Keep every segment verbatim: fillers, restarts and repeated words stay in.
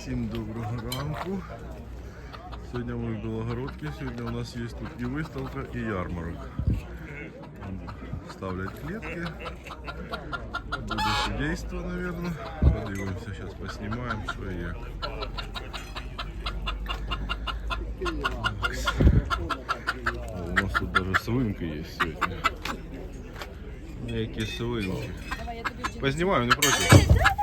Всім доброго ранку. Сьогодні ми в Білогородці. Сьогодні у нас є тут і виставка, і ярмарок. Ставлять клетки. Буде судейство, мабуть. Подивимося, зараз поснімаємо, що і як. О, у нас тут даже свинки є сьогодні. Які свинки. Познімаю, не проти.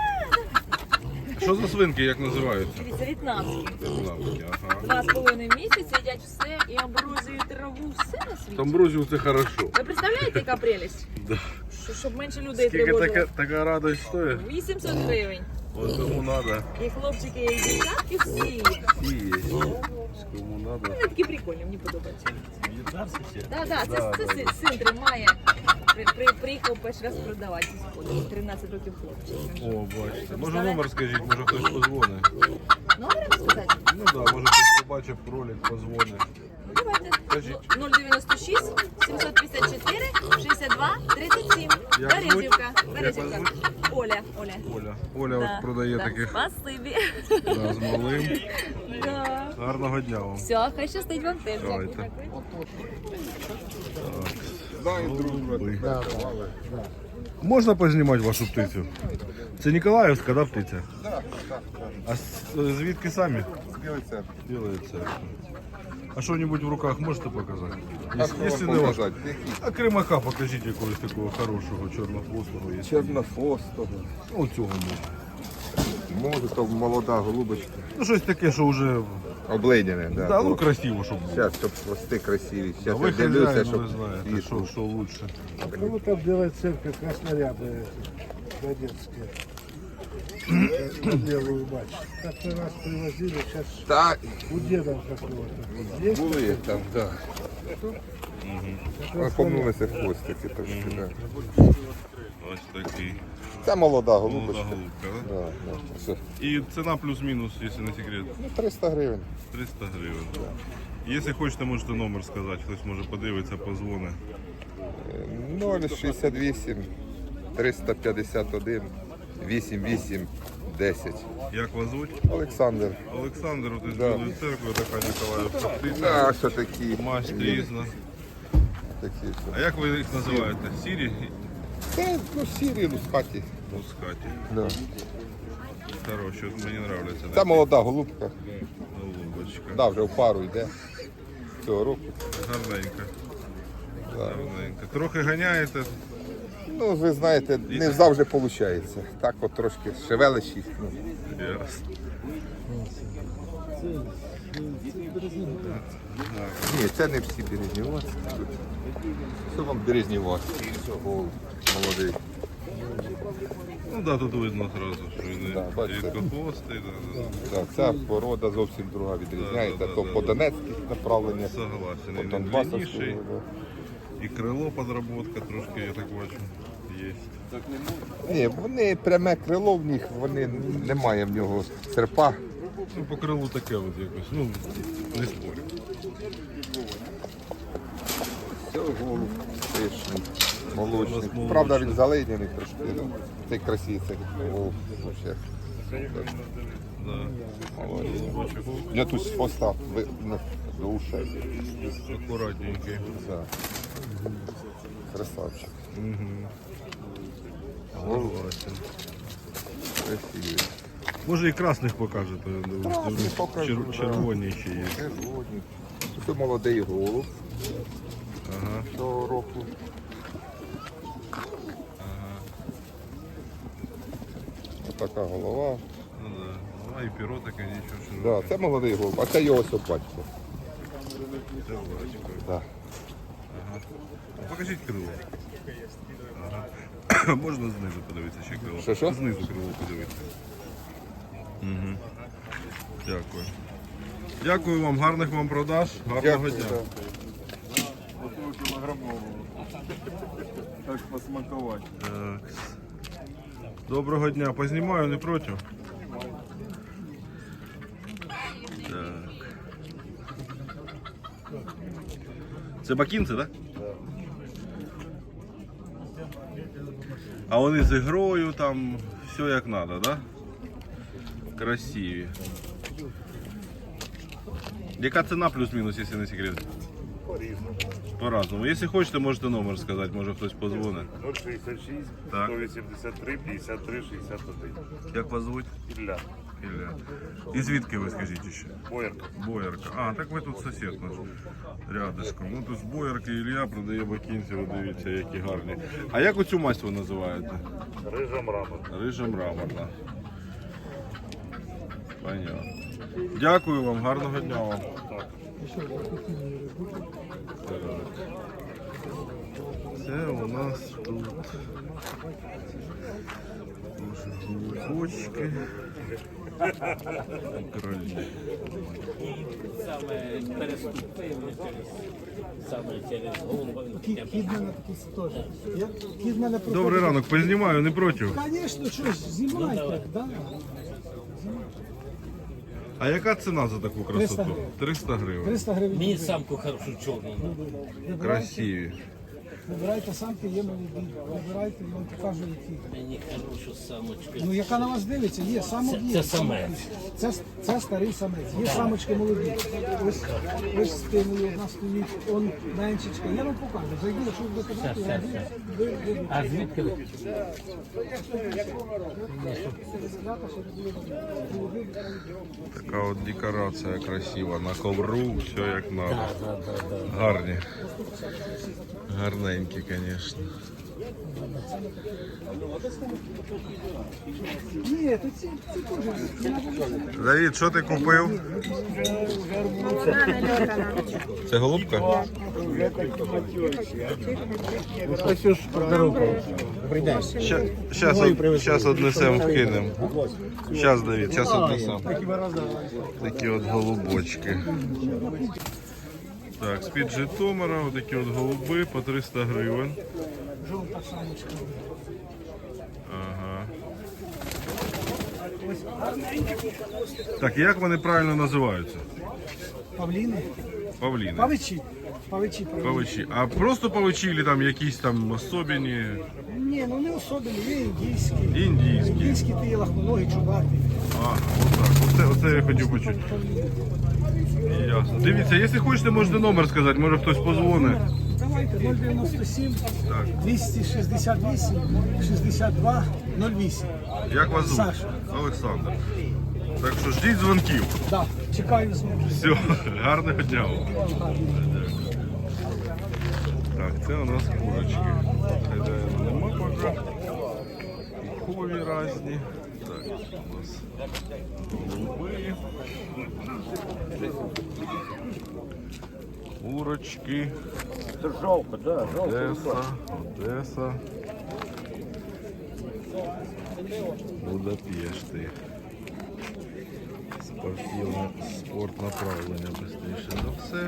Що за свинки, як називаються? Дивіться, в'єтнамські. В'єтнамські, ага. Два з половиною місяці їдять все і амброзію, траву, все на світі. Амброзію це хорошо. Ви представляєте, яка прелість? Да. Що, щоб менше людей Скільки така, тривожило. така радость стоїть? вісімсот гривень. Ось кому надо. І хлопчики, і дівчатки всі. Всі є. Кому надо. Вони такі прикольні, мені подобаються. Так, так, це, Да, це да, син, син тримає. При, при, приїхав перший раз продавати зі сходу. тринадцять років хлопчик. О, бачите. Може номер скажіть, може хтось позвонить. Номер сказати? Ну так, да, може хтось побачив ролик, позвонить. Ну, давайте. Скажіть. нуль дев'яносто шість сімсот п'ятдесят чотири шістдесят два тридцять сім. Як Березівка. звуть? Березівка. Як вас Оля. Оля. Оля. Оля Да, от продає да. таких Спасибі. да, з малим. Да. Гарного дня вам. Все, хай щастить вам теж. Давайте. Голуби. Можна познімати вашу птицю? Це Ніколаївська, да, птиця? Так, так, так. А з- звідки самі? Білий центр. Білої церкви. А що-небудь в руках можете показати? А Якщо- що Якщо вам не важко. показати? Які? А кримака покажіть якогось такого хорошого чорнохвостого. Є. Чорнофостого. Ну, цього можна. Може, то молода голубочка. Ну, щось таке, що вже... Обледяне, да. Да, ну, красиво, щоб було. Зараз, щоб хвости красиві. А Зараз ви я дивлюся, хазяїн, щоб ви знаєте, що, світло. що лучше. Ну там белая церковь, краснорябая, Донецкая. Белую мать. Как-то раз привозили, сейчас Так, у деда какого-то. Есть? були там, так. Да. Помнулися хвостики трошки, так. Ось такий. Це молода Молода голубочка. голубка, да? Да, да. Все. І ціна плюс-мінус, якщо не секрет, Ну, триста гривень. триста гривень. Якщо хочете, можете номер сказати, хтось може подивитися, позвонить. нуль шістдесят вісім триста п'ятдесят один вісім вісім десять. Як вас звуть? Олександр. Олександр, от із Да. Білої церкви, така Ніколаївська птиця. Да, що такі. Масть різна. Такі, А як ви їх називаєте? Сірі? Це, ну, сірі, ну, з хаті. Мускаті. Да. Хороші, от мені подобається. Це молода голубка. Голубочка. Да, вже в пару йде цього року. Гарненька. Да. Гарненька. Трохи ганяєте? Ну, ви знаєте, не завжди виходить. Так от трошки шевелиш їх. Ну, Ясно. ні, це не всі березніваці. Це вам березніваці. Все, голуб, молодий. Ну так, да, тут видно одразу, що він Да, бачите. рідкохвостий. Да, да. Так, ця порода зовсім друга відрізняється. Да, да, То да, по да. донецьких направленнях, Согласен. по І він Донбасовському. длинніший, да. і крило подработка трошки, я так бачу, є. Ні, вони пряме крило в них, вони немає в нього серпа. Ну, по крилу таке от якось, ну, не спорю. Все, голуб пишний, молочний. У нас молочний. Правда, він заледяний трошки. Ну, цей красивий, цей голуб. Вообще. Да. Молодець. У нього тут з хвоста ви- ну, до ушей. Акуратненький. Да. Красавчик. Согласен. Красивий. Може і красних покажете, я думаю. Красних покажу, Чер- да. червоні ще є. Червоні. Це молодий голуб Ага. цього року. Ось така голова. Ну да. Ну, а і перо таке нічого, що Да, це молодий голуб, а це його ось батько. це бачко. Да. А покажіть крило. Ага. Можна знизу подивитися ще крило. Що, що? Знизу крило подивитися. Угу. Дякую. Дякую вам, гарних вам продаж, гарного дня. да. Так посмакувати. Так. Доброго дня. Познімаю, не проти? Так. Це бакінці, так? А вони з ігрою, там все як треба, так? Да? Красиві. Яка ціна плюс-мінус, якщо не секрет? По-різному. По-разному. Якщо хочете, можете номер сказати, може хтось позвонить. нуль шістдесят шість, Так. сто вісімдесят три, п'ятдесят три, шістдесят один. Як вас звуть? Ілля. Ілля. І звідки ви скажіть ще? Боярка. Боярка. А, так ви тут сусід наш. Рядышком. Ну тут з Боярки Ілля продає бакінці, ви дивіться, які гарні. А як оцю масть ви називаєте? Рижа мрамор. Рижа мраморна. Понятно. Дякую вам, гарного дня вам. Так. Це у нас тут глибочки. Кролі. Саме переступив через саме через голову. Кіт мене такий теж. Я- Кіт мене проходить. Добрий ранок, познімаю, не проти. Звісно, щось, знімайте. Да. А яка ціна за таку триста красоту? гривень. триста гривень. триста гривень. Мені самку хорошу чорну. Вибирайте, Красиві. вибирайте самки, є молоді. Вибирайте, я вам покажу, які. Мені хорошу самочку. Ну, яка на вас дивиться, є самок, Це- є. це самок самець. є. Це, це старий самець. Є самочки молоді. Ось, ось стимулі, одна стоїть, он меншечка. Я вам покажу. Зайду, якщо ви будете брати, Все, я все, ви- ви- ви- А звідки ви? Така от декорація красива. На ковру, все як надо. Да, да, да, да. Гарні. Гарненькі, звісно. Ні, то ці, ці теж. ці на Давід, що ти купив? Це голубка? Зараз однесемо, вкинемо. Зараз, Давід, зараз однесемо. Такі от голубочки. Так, з-під Житомира, отакі от голуби по триста гривень. жовта самочка. Ага. Так, як вони правильно називаються? Павліни. Павліни. Павичі. Павичі. правильно. Павичі. А просто павичі, чи там якісь там особені? Ні, ну не особливі, є індійські. Індійські. Індійські ти є лахмоногі, чубаті. Ага, отак. Оце, оце я хотів почути. Ясно. Дивіться, якщо хочете, можете номер сказати, може хтось позвонить. Давайте нуль дев'яносто сім Так. двісті шістдесят вісім шістдесят два нуль вісім. Як вас звуть? Саша. Олександр. Так що ждіть дзвонків. Да, чекаю знову. Все, гарного дня вам. Так, це у нас курочки. Хазяїна нема поки. Пухові різні. Так, у нас голуби. Курочки. Жовка, да, Одеса, Одеса. Будапешти. Спортивне, спорт направлення быстріше за все.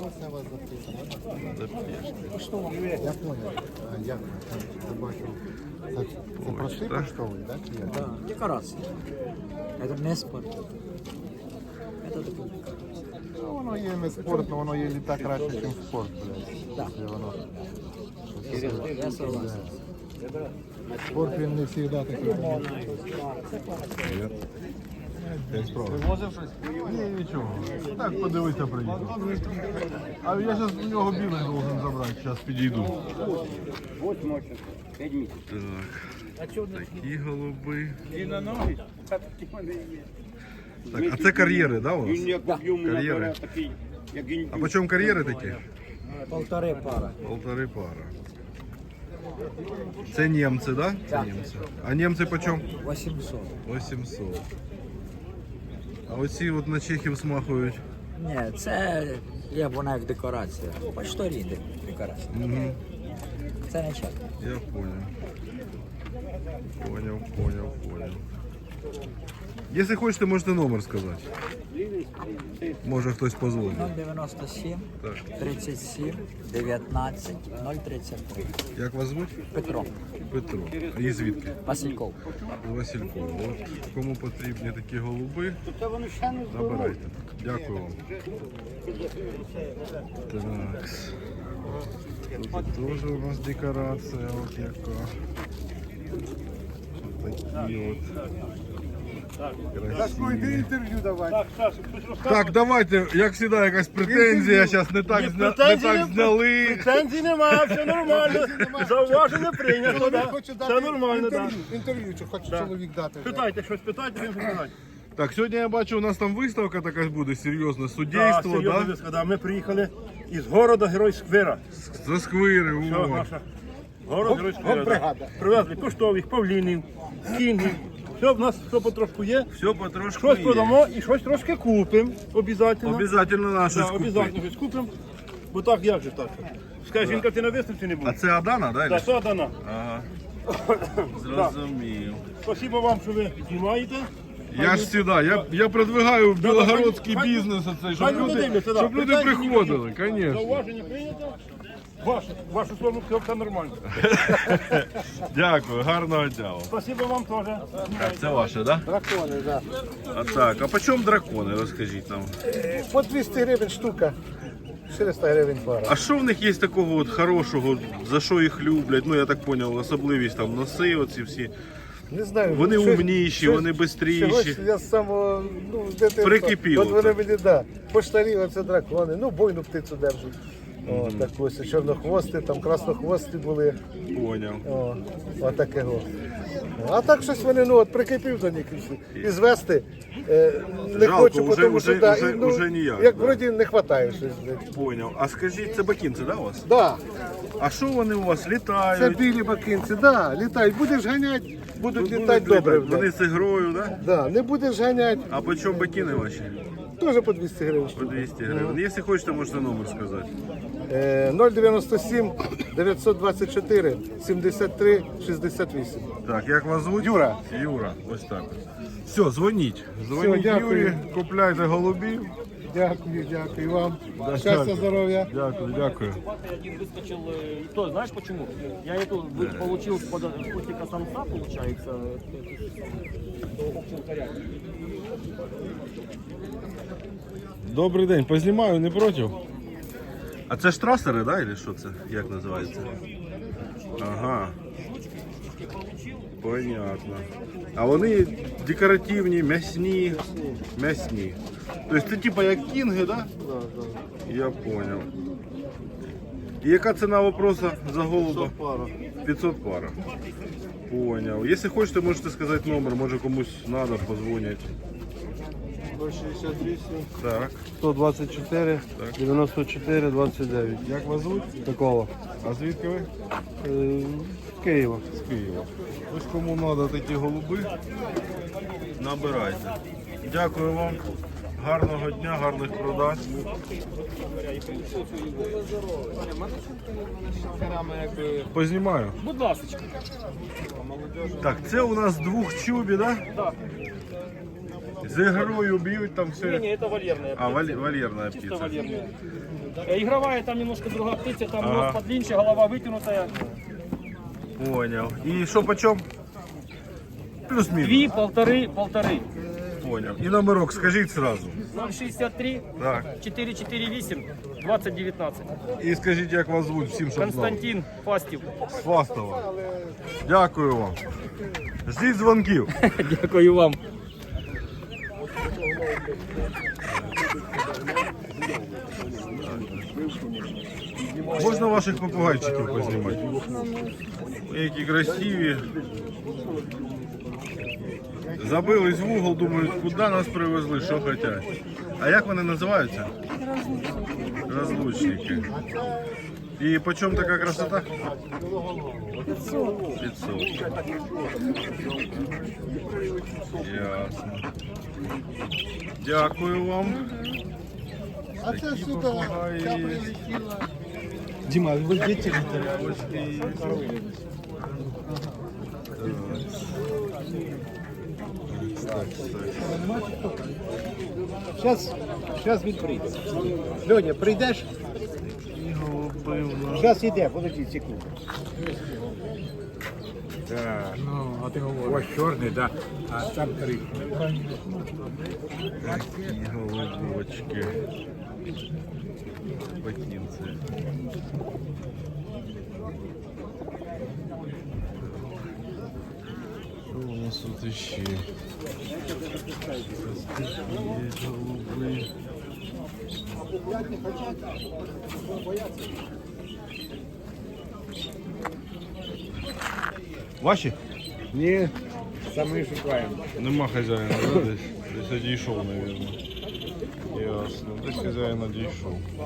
Будапешти. Я понял. А, Дякую. Я бачу. Це, це простий Почта. поштовий, так? Чи як? Да, декорация. Это не спорт. Это такой. Ну, воно є не спорт, але воно є літа краще, ніж спорт, блядь. Да. Якщо воно... Я согласен. Спорт він не завжди такий. Привіт. Як справа? Вивозив щось? Ні, нічого. Так, подивися, приїду. А я зараз у нього білий должен забрати, зараз підійду. Так, такі голуби. Так, а це кар'єри, да, у нас? Кар'єри. А по чому кар'єри такі? Полторы пара. Полтори пара. Це німці, да? Це німці. А німці по чому? восемьсот. вісімсот. А оці от на чехів смахують. Ні, це є вона як декорація. Почторі декорація. Угу. Це не чек. Я понял. Понял, понял, понял. Если хочете, можете номер сказати. Може хтось позвонить. нуль дев'яносто сім Так. тридцять сім дев'ятнадцять нуль тридцять три. Як вас звуть? Петро Петро. А і звідки? Васильков. З Василькова. От кому потрібні такі голуби, набирайте. Дякую вам. Так. Тут теж у нас декорація, от яка. Такі от. Сашко, йди інтерв'ю давай. Так, Саша, щось розказує? Так, давайте, як завжди, якась претензія, зараз не так, зня... не претензій так не- зняли. Претензій нема, все нормально. Зауваження прийнято, Чоловік да. хоче Все дати нормально, так. інтерв'ю, інтерв'ю, чи хоче чоловік дати. вже. Питайте, щось питайте, він питайте. Так, сьогодні я бачу, у нас там виставка така буде, серйозна, Так, суддейство, серйозно да? виска, да. Ми приїхали із города Герой Сквера. За сквири, Все, о. наша. Город Герой Сквера, да. Привезли коштових, павлінів, кінгів. Все в нас все потрошку є. Все потрошку Щось є. продамо і щось трошки купимо. Обязательно. Обязательно наше Да, скупити. обязательно щось купимо. Бо так як же так? Скажи, жінка, ти на виставці не А був? це Адана, да? Да, или? все дана. Ага. Зрозумів. Спасибо вам, що ви знімаєте. Я ж сюди, я, я продвигаю білогородський хай- бізнес, оцей, щоб хай люди люди, дивляться, да. щоб люди Питань приходили, звісно. Зауваження прийнято. Ваше, вашу сторону все, все нормально. Дякую, гарного дня вам. Спасибо вам теж. Так, це ваше, да? Дракони, так. А так, а по чому дракони, розкажіть нам. По двісті гривень штука, чотириста гривень пара. А що в них є такого от хорошого, за що їх люблять? Ну я так зрозумів, особливість там носи, оці всі. Не знаю. Вони щось- умніші, щось- вони бистріші. Чогось я з самого, ну, з дитинства. Прикипіло От вони так. мені, да, поштарі, оце дракони, ну, бойну птицю держать. О, так ось, чорнохвости, там краснохвости були. Поняв. О, отакого. А так щось вони, ну, от прикипів до них і всі. І звести е, не Жалко, хочу, уже- тому уже- що, да, уже- і, ну, уже ніяк, як да. вроді не вистачає щось. Поняв. А скажіть, це бакінці, да, у вас? Да, А що вони у вас це літають? білі бакинці, да, літають. Будеш ганяти, будуть Будуть літати добре. літати. Вони з ігрою, да? Да, не будеш ганяти, А по чому бакіни ваші? теж по двісті гривень. По штука. двісті гривень. Якщо хочете, можете номер сказати. Е, нуль дев'яносто сім дев'ятсот двадцять чотири сімдесят три шістдесят вісім. Так, як вас звуть? Юра. Юра, ось так. Все, дзвоніть. Дзвоніть дякую. Юрі, купляйте голубів. Дякую, дякую вам. Да, Щастя, дякую. здоров'я. Дякую, дякую. Один выскочил, э, и то, знаешь почему? Я эту вы- получил с под- с кустика самца, получается. Добрий день, познімаю, не проти? А це ж трасери, да, или що це? Як називається? Ага. Понятно. А вони декоративні, м'ясні. М'ясні. Тобто це типа як кінги, да? Я понял. І яка ціна вопроса за голуба? пятьсот пара. Понял. Если хочете, можете сказать номер, може комусь надо, позвонять. ноль шістдесят вісім Так. сто двадцять чотири дев'яносто чотири двадцять дев'ять. Як вас звуть? Такого. А звідки ви? З Києва. З Києва. Ось кому треба такі голуби, набирайте. Дякую вам. Гарного дня, гарних продаж. Познімаю. Будь ласка. Так, це у нас двох чубі, да? Да. З ігрою б'ють там Не, все. не, это вольерная. А, валь- вольерна Чисто птиця. вольерная. Э, Игровая там немножко другая птица, там Ага. нос подлиннее, голова вытянутая. Понял. І що почем? Плюс-мінус. Две, полторы, полторы. Понял. І номерок скажіть сразу. ноль шестьдесят три, Так. четыре четыре восемь, двадцать девятнадцать. І скажіть, як вас звуть всім, щоб знали. Константин Фастів. З Фастова. Дякую вам. Ждіть дзвонків. Дякую вам. Можна ваших попугайчиків познімати? Які красиві. Забились в угол, думають, куди нас привезли, що хочуть. А як вони називаються? Розлучники. І по чому така красота? пятьсот. пятьсот. Ясно. Дякую вам. А це Такі сюди. попугаї є. Дима, вы дети? Зараз, зараз він прийде. Льоня, прийдеш? Зараз йде, подожди секунду. Ось чорний, да, а там три. Такі голубочки. Бакінці. Що у нас тут ще? Є голуби. Ваші? Ні, самі шукаємо. Нема хазяїна, да, десь? Десь одійшов, мабуть. Ясно, десь хазяїн одійшов.